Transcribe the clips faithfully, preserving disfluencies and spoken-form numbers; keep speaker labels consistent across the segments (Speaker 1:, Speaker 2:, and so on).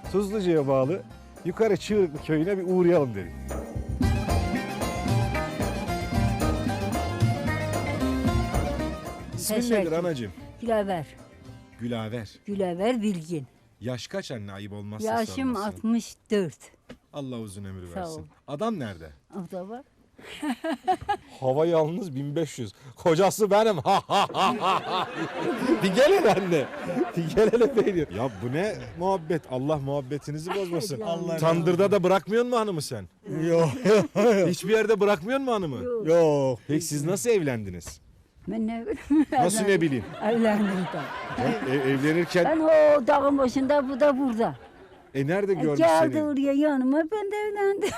Speaker 1: Tuzluca'ya bağlı Yukarı Çığırıklı köyüne bir uğrayalım dedik. İsmin nedir
Speaker 2: Teşekkür.
Speaker 1: anacığım?
Speaker 2: Gülever.
Speaker 1: Gülaver.
Speaker 2: Gülever Bilgin.
Speaker 1: Yaş kaç anne, ayıp olmazsa
Speaker 2: Yaşım
Speaker 1: sorması?
Speaker 2: altmış dört.
Speaker 1: Allah uzun ömür
Speaker 2: Sağ
Speaker 1: versin.
Speaker 2: ol.
Speaker 1: Adam nerede?
Speaker 2: O da var.
Speaker 1: Hava yalnız bin beş yüz. Kocası benim. Ha ha ha ha. Bir gel hele anne. Bir gel hele peynir. Ya bu ne muhabbet? Allah muhabbetinizi bozmasın.
Speaker 2: Allah
Speaker 1: Tandırda da bırakmıyor mu hanımı sen?
Speaker 3: Yok
Speaker 1: Hiçbir yerde bırakmıyor mu hanımı?
Speaker 2: Yok.
Speaker 3: yok.
Speaker 1: Peki siz nasıl evlendiniz?
Speaker 2: Ben ne bileyim.
Speaker 1: Nasıl ne bileyim?
Speaker 2: Evlendim de.
Speaker 1: Ya, e- evlenirken
Speaker 2: Ben o dağın başında, bu da burada.
Speaker 1: e nerede
Speaker 2: E,
Speaker 1: görmüş
Speaker 2: geldi
Speaker 1: seni?
Speaker 2: oraya yanıma, ben de evlendim.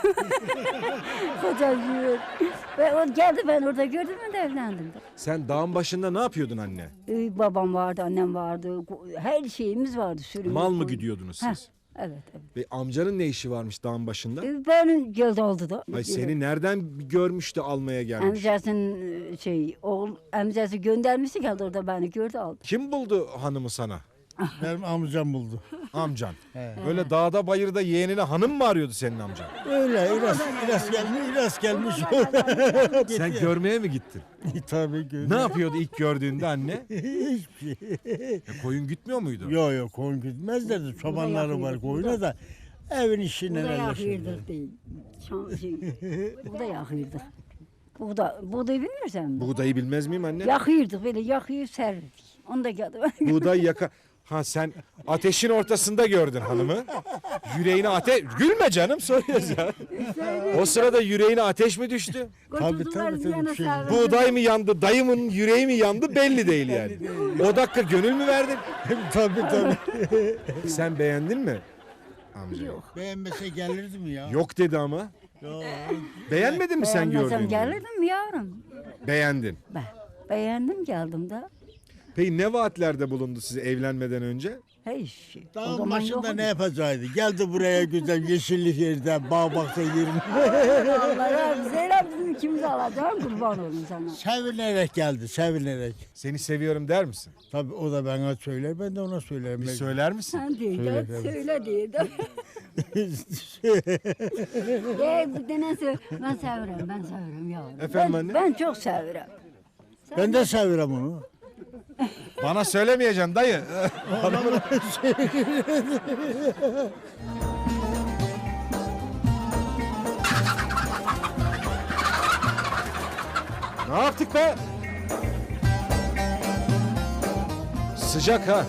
Speaker 2: Kocacığım. Ve o geldi, ben orada gördüm, ben de evlendim de.
Speaker 1: Sen dağın başında ne yapıyordun anne?
Speaker 2: Ee, babam vardı, annem vardı. ko- Her şeyimiz vardı. Sürümüz,
Speaker 1: Mal mı
Speaker 2: koyun.
Speaker 1: gidiyordunuz
Speaker 2: Heh,
Speaker 1: siz?
Speaker 2: Evet, evet.
Speaker 1: Ve amcanın ne işi varmış dağın başında?
Speaker 2: Ee, Benim geldi oldu da.
Speaker 1: Ay seni nereden görmüş de almaya gelmiş?
Speaker 2: Amcasının şey, oğul, amcası göndermişti, geldi orada beni gördü, aldı.
Speaker 1: Kim buldu hanımı sana?
Speaker 3: Benim amcam buldu.
Speaker 1: Amcan. Böyle dağda bayırda yeğenine hanım mı arıyordu senin amcan?
Speaker 3: Öyle İlas, İlas gelmiş, İlas gelmiş.
Speaker 1: Sen görmeye mi gittin?
Speaker 3: Tabii ki.
Speaker 1: Ne yapıyordu ilk gördüğünde anne?
Speaker 3: Hiçbir şey.
Speaker 1: E, koyun gütmüyor muydu?
Speaker 3: Yok yok koyun gitmezlerdi. Çobanları var koyuna da evin işine
Speaker 2: Bu da
Speaker 3: yerleşirler.
Speaker 2: yakıyorduk değil. Şan, şey, bu da yakıyorduk. Bu da, buğday bilmirsen mi?
Speaker 1: Buğdayı bilmez miyim anne?
Speaker 2: Yakıyorduk, böyle yakıyıp serdik. Onu da geldi.
Speaker 1: Buğday yaka... Ha sen ateşin ortasında gördün hanımı. Yüreğine ateş... Gülme canım, soruyoruz ya. O sırada yüreğine ateş mi düştü?
Speaker 3: Tabii, tabii, tabii, bir şey.
Speaker 1: Buğday mı yandı, dayımın yüreği mi yandı belli değil yani. O dakika gönül mü verdin?
Speaker 3: Tabii tabii.
Speaker 1: Sen beğendin mi amcayı?
Speaker 2: Yok.
Speaker 3: Beğenmese gelirdi mi ya?
Speaker 1: Yok dedi ama.
Speaker 3: Yok.
Speaker 1: Beğenmedin mi sen
Speaker 2: Beğenmezsem
Speaker 1: gördüğünde?
Speaker 2: gelirdim mi yavrum?
Speaker 1: Beğendin.
Speaker 2: Ben beğendim, geldim de.
Speaker 1: Peki ne vaatlerde bulundu size evlenmeden önce?
Speaker 2: Hiç şey. O
Speaker 3: Dağın
Speaker 2: zaman
Speaker 3: başında
Speaker 2: yok.
Speaker 3: ne yapacaktı? Geldi buraya güzel yeşillik yerde, bağ baksa yerine.
Speaker 2: Allah'a Zeynep bizim ikimiz alacağım, kurban olun sana.
Speaker 3: Sevinerek geldi, sevinerek.
Speaker 1: Seni seviyorum der misin?
Speaker 3: Tabii o da bana söyler, ben de ona söylerim.
Speaker 1: Bir söyler misin?
Speaker 2: Sen değil
Speaker 3: Söyle,
Speaker 2: de,
Speaker 3: evet.
Speaker 2: söyle değil de. Ye bir tane söyle. Ben severim, ben severim yavrum.
Speaker 1: Efendim
Speaker 2: ben,
Speaker 1: anne?
Speaker 2: Ben çok severim.
Speaker 3: Ben de severim onu.
Speaker 1: Bana söylemeyeceksin dayı. Ne yaptık be? Sıcak ha.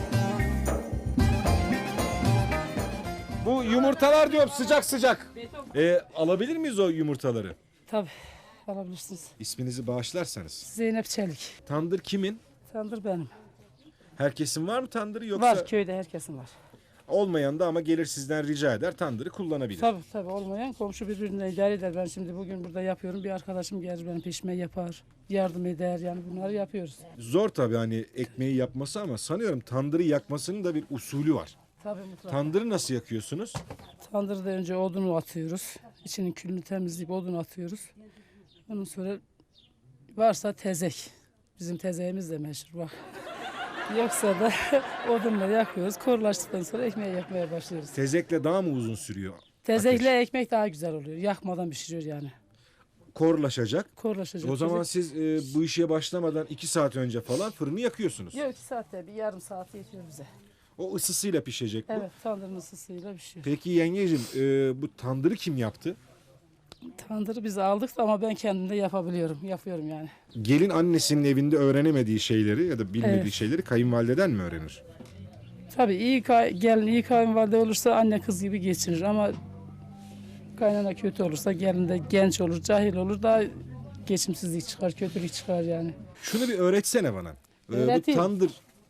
Speaker 1: Bu yumurtalar diyorum sıcak sıcak. Ee, alabilir miyiz o yumurtaları?
Speaker 4: Tabii alabilirsiniz.
Speaker 1: İsminizi bağışlarsanız.
Speaker 4: Zeynep Çelik.
Speaker 1: Tandır kimin?
Speaker 4: Tandır benim.
Speaker 1: Herkesin var mı tandırı yoksa?
Speaker 4: Var köyde herkesin var.
Speaker 1: Olmayan da ama gelir sizden rica eder tandırı kullanabilir.
Speaker 4: Tabii tabii olmayan komşu birbirine idare eder. Ben şimdi bugün burada yapıyorum. Bir arkadaşım gelir benim peşime yapar. Yardım eder yani bunları yapıyoruz.
Speaker 1: Zor tabii hani ekmeği yapması ama sanıyorum tandırı yakmasının da bir usulü var.
Speaker 4: Tabii mutlaka.
Speaker 1: Tandırı nasıl yakıyorsunuz?
Speaker 4: Tandırda önce odunu atıyoruz. İçinin külünü temizleyip odunu atıyoruz. Ondan sonra varsa tezek. Bizim tezeğimiz de meşhur bak. Yoksa da odunla yakıyoruz. Korulaştıktan sonra ekmeği yapmaya başlıyoruz.
Speaker 1: Tezekle daha mı uzun sürüyor?
Speaker 4: Tezekle ekmek daha güzel oluyor. Yakmadan pişiriyor yani.
Speaker 1: Korlaşacak.
Speaker 4: Korulaşacak.
Speaker 1: O zaman
Speaker 4: Tezek-
Speaker 1: siz e, bu işe başlamadan iki saat önce falan fırını yakıyorsunuz.
Speaker 4: Yok iki saatte bir yarım saat yetiyor bize.
Speaker 1: O ısısıyla pişecek bu.
Speaker 4: Evet tandırın ısısıyla pişiyor.
Speaker 1: Peki yengeciğim e, bu tandırı kim yaptı?
Speaker 4: Tandırı biz aldık ama ben kendim de yapabiliyorum. Yapıyorum yani.
Speaker 1: Gelin annesinin evinde öğrenemediği şeyleri ya da bilmediği
Speaker 4: Evet.
Speaker 1: şeyleri kayınvalideden mi öğrenir?
Speaker 4: Tabii iyi kay- gelin iyi kayınvalide olursa anne kız gibi geçinir ama kaynana kötü olursa gelin de genç olur, cahil olur da geçimsizlik çıkar, kötülük çıkar yani.
Speaker 1: Şunu bir öğretsene bana. E, bu
Speaker 4: Öğreteyim.
Speaker 1: tandır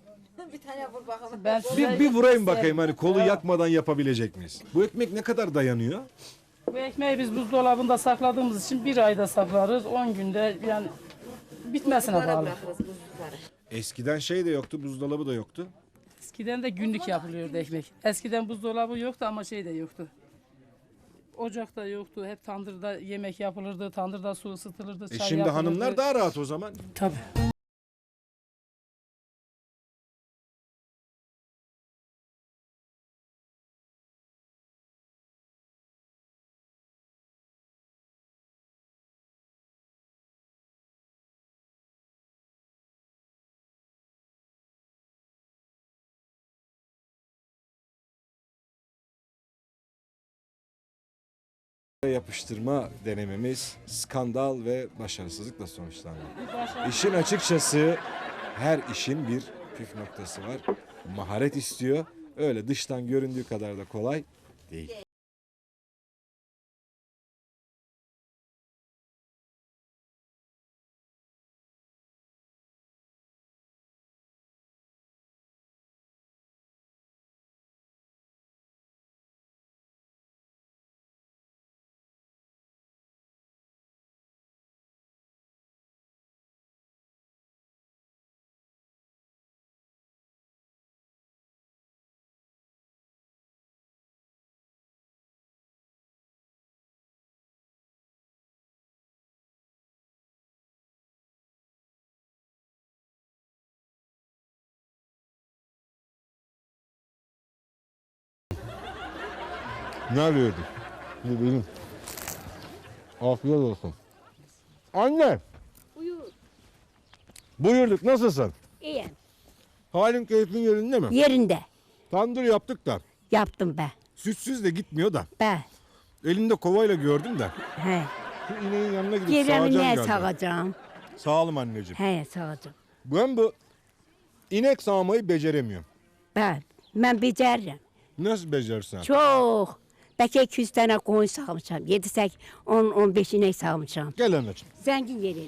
Speaker 4: Ben
Speaker 1: bir, bir vurayım bakayım hani kolu yakmadan yapabilecek miyiz? Bu ekmek ne kadar dayanıyor?
Speaker 4: Bu ekmeği biz buzdolabında sakladığımız için bir ayda saklarız. on günde yani bitmesine bağlı.
Speaker 1: Eskiden şey de yoktu, buzdolabı da yoktu.
Speaker 4: Eskiden de günlük yapılıyordu ekmek. Eskiden buzdolabı yoktu ama şey de yoktu. Ocakta yoktu. Hep tandırda yemek yapılırdı. Tandırda su ısıtılırdı.
Speaker 1: E
Speaker 4: Çay
Speaker 1: şimdi
Speaker 4: yapılırdı.
Speaker 1: hanımlar daha rahat o zaman.
Speaker 4: Tabii.
Speaker 1: yapıştırma denememiz skandal ve başarısızlıkla sonuçlandı. İşin açıkçası her işin bir püf noktası var. Maharet istiyor. Öyle dıştan göründüğü kadar da kolay değil. Ne arıyordun? Ne benim. Afiyet olsun. Anne.
Speaker 2: Buyur.
Speaker 1: Buyurduk, nasılsın?
Speaker 2: İyi.
Speaker 1: Halin keyfin yerinde mi?
Speaker 2: Yerinde.
Speaker 1: Tandır yaptık da.
Speaker 2: Yaptım ben.
Speaker 1: Sütsüz de gitmiyor da.
Speaker 2: Ben.
Speaker 1: Elinde kovayla gördüm de.
Speaker 2: He.
Speaker 1: Şu ineğin yanına gidip
Speaker 2: Yerimi
Speaker 1: sağacağım
Speaker 2: neye
Speaker 1: galiba.
Speaker 2: sağacağım?
Speaker 1: Sağ olun anneciğim.
Speaker 2: He sağacağım.
Speaker 1: Ben bu inek sağmayı beceremiyorum.
Speaker 2: Ben. Ben beceririm.
Speaker 1: Nasıl becerirsen?
Speaker 2: Çok. Belki iki yüz tane koyun sağmışam. yedi sekiz on on beş inek sağmışam.
Speaker 1: Gel anneciğim.
Speaker 2: Zengin yeri.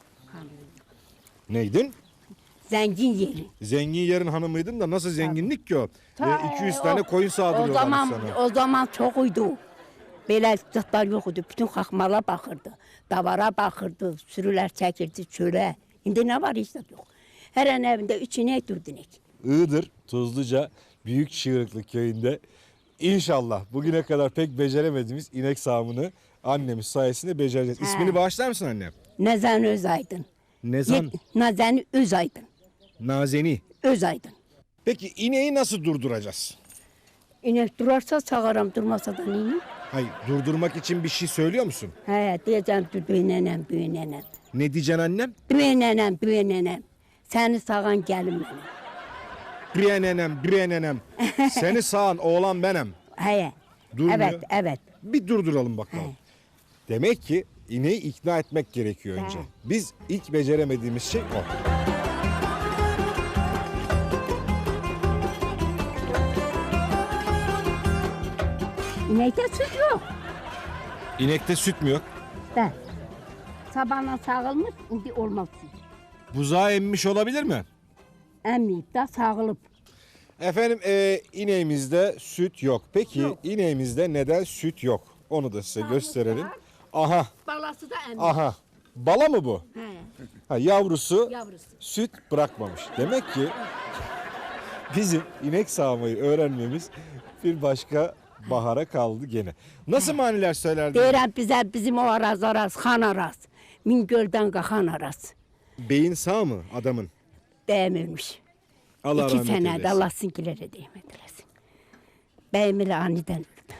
Speaker 1: Neydin?
Speaker 2: Zengin yeri.
Speaker 1: Zengin yerin hanımıydın da nasıl zenginlik ki o?
Speaker 2: Ta-
Speaker 1: E, iki yüz
Speaker 2: o-
Speaker 1: tane koyun
Speaker 2: O
Speaker 1: sağdırıyorlar
Speaker 2: zaman
Speaker 1: sana.
Speaker 2: o zaman çok uydu. Böyle zıtlar yoktu. Bütün kalkmalar bakırdı. Davara bakırdı. Sürüler çekirdi çöle. Şimdi ne var işte yok. Her an evinde üç inek dört inek.
Speaker 1: Iğdır, Tuzluca, Büyük Çığırıklı köyünde inşallah bugüne kadar pek beceremediğimiz inek sağımını annemiz sayesinde becereceğiz. İsmini bağışlar mısın annem?
Speaker 2: Nezen Özaydın.
Speaker 1: Nezan
Speaker 2: Ye- Nazen Özaydın.
Speaker 1: Nazeni.
Speaker 2: Özaydın.
Speaker 1: Peki ineği nasıl durduracağız?
Speaker 2: İnek durarsa sağarım, durmasa da neyim?
Speaker 1: Hayır, durdurmak için bir şey söylüyor musun?
Speaker 2: He diyeceğim dur büyünenem büyünenem.
Speaker 1: Ne diyeceksin annem?
Speaker 2: Büyünenem büyünenem. Seni sağan gelin benim.
Speaker 1: Briyenenem, briyenenem. Seni sağan oğlan benim.
Speaker 2: He.
Speaker 1: Durmuyor.
Speaker 2: Evet evet.
Speaker 1: Bir durduralım bakalım. Demek ki ineği ikna etmek gerekiyor önce.
Speaker 2: He.
Speaker 1: Biz ilk beceremediğimiz şey o.
Speaker 2: İnekte süt yok.
Speaker 1: İnekte süt mü yok?
Speaker 2: Ben. Sabahla sağılmış, şimdi olmaz süt.
Speaker 1: Buzağı emmiş olabilir mi?
Speaker 2: Emmeyip de sağılıp.
Speaker 1: Efendim e, ineğimizde süt yok. Peki
Speaker 2: Yok.
Speaker 1: ineğimizde neden süt yok? Onu da size gösterelim. Aha,
Speaker 2: Balası da emmiş.
Speaker 1: aha. Bala mı bu?
Speaker 2: He,
Speaker 1: Ha, yavrusu
Speaker 2: yavrusu.
Speaker 1: süt bırakmamış. Demek ki bizim inek sağmayı öğrenmemiz bir başka bahara kaldı gene. Nasıl maniler söylerdin?
Speaker 2: Deyirəm bizə bizim o araz araz, xan araz. Mingöldən qaxan araz.
Speaker 1: Beyin sağ mı adamın?
Speaker 2: Bəyim ölmüş.
Speaker 1: Allah
Speaker 2: İki
Speaker 1: rahmet
Speaker 2: sənədə
Speaker 1: eylesin.
Speaker 2: Allah sinkilərə deyim edələsin. Bəyim elə anidən öldü.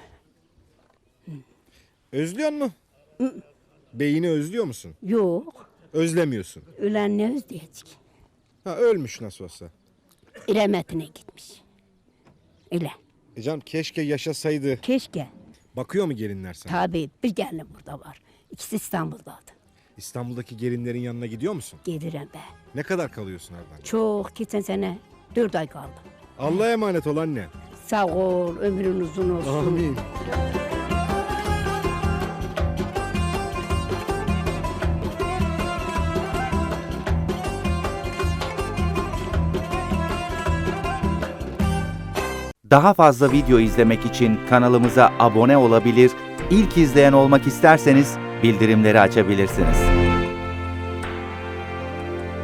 Speaker 1: Özlüyor mu? Beyini özlüyor musun?
Speaker 2: Yox,
Speaker 1: Özlemiyorsun.
Speaker 2: ölən nə özləyəcək?
Speaker 1: Ha ölmüş nasıl olsa.
Speaker 2: İrəmətinə gitmiş. Elə.
Speaker 1: E canım keşke yaşasaydı.
Speaker 2: Keşke.
Speaker 1: Bakıyor mu gelinler sana?
Speaker 2: Tabii bir gəlin burada var. İkisi İstanbuldadır.
Speaker 1: İstanbul'daki gelinlerin yanına gidiyor musun?
Speaker 2: Gedirəm bə.
Speaker 1: Ne kadar kalıyorsun oradan?
Speaker 2: Çox, keçən sənə dörd ay qaldım.
Speaker 1: Allah'a emanet ol anne.
Speaker 2: Sağ ol, ömrün uzun olsun.
Speaker 1: Amin.
Speaker 5: Daha fazla video izlemek için kanalımıza abone olabilir, ilk izleyen olmak isterseniz bildirimleri açabilirsiniz.